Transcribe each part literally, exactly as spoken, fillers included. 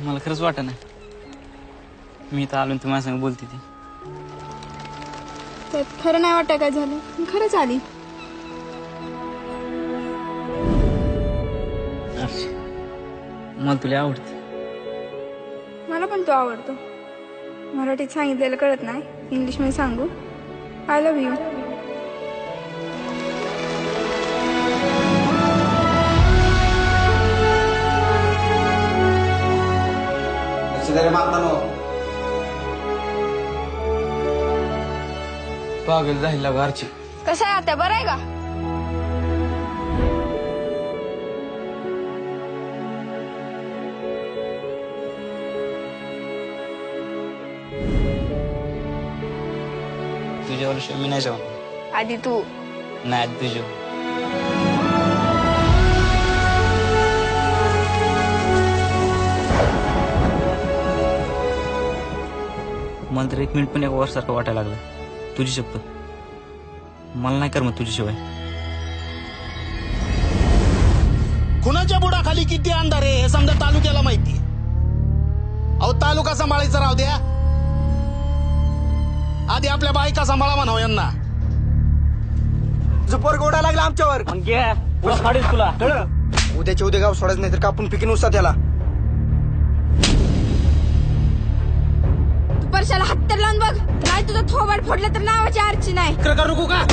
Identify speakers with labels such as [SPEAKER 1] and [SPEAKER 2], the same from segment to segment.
[SPEAKER 1] मला खरंच वाटत नाही मी तर आलो, तू माझ्या संग बोलती ती.
[SPEAKER 2] त्यात खरं नाही वाटत काय झालं, मी खरंच आली.
[SPEAKER 1] मला तुला आवडते.
[SPEAKER 2] मला पण तो आवडतो. मराठीत सांगितलेलं कळत नाही, इंग्लिश मध्ये सांगू. I love you.
[SPEAKER 1] पागल झाला घरची.
[SPEAKER 2] कसं आहे आता, बरं आहे का?
[SPEAKER 1] तुझ्यावर मी नाही जाऊन.
[SPEAKER 2] आधी तू.
[SPEAKER 1] नाही आधी तुझ्या. मला तर एक मिनिट पण एक वर्षासारखं वाटायला लागलं. तुझी शपथ, मला नाही करमत तुझ्याशिवाय.
[SPEAKER 3] कुणाच्या बुडाखाली किती अंधार आहे हे समजा तालुक्याला माहिती. अहो तालुका सांभाळायचा राहू द्या, आधी आपल्या बायका सांभाळा म्हणावं यांना.
[SPEAKER 4] जुपर गोडा लागला आमच्यावर.
[SPEAKER 1] तुला
[SPEAKER 4] उद्याच्या उद्या गाव सोडायचं नाही तर कापून पिकीन उसा त्याला.
[SPEAKER 2] तू परशाला हात तर लावून बघ, नाही तुझं थोबाड फोडलं तर नावाची आरची नाही.
[SPEAKER 3] करू का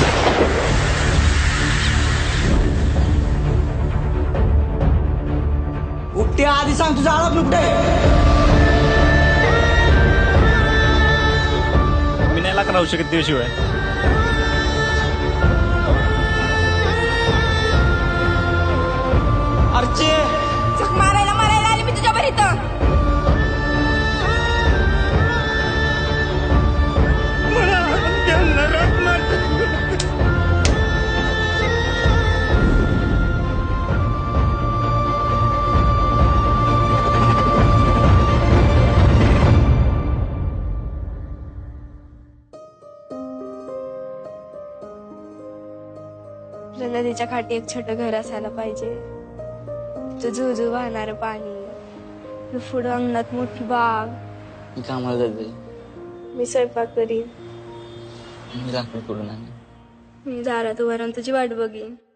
[SPEAKER 4] उपटे आधी सांग तुझा आळप नुकटे.
[SPEAKER 1] मी नाही लाख राहू शकत तुझ्याशिवाय.
[SPEAKER 4] अर्चे
[SPEAKER 2] झक मारायला मारायला आली मी तुझ्या बरी इथं. नदीच्या काठी एक छोटं घर असायला पाहिजे. झुझू वाहणार पाणी, पुढं अंगणात मोठी बाग.
[SPEAKER 1] मी कामाला जाते.
[SPEAKER 2] मी स्वयंपाक करीन.
[SPEAKER 1] मी लाकडं करून आणेन.
[SPEAKER 2] मी दारात उभा राहून तुझी वाट बघीन.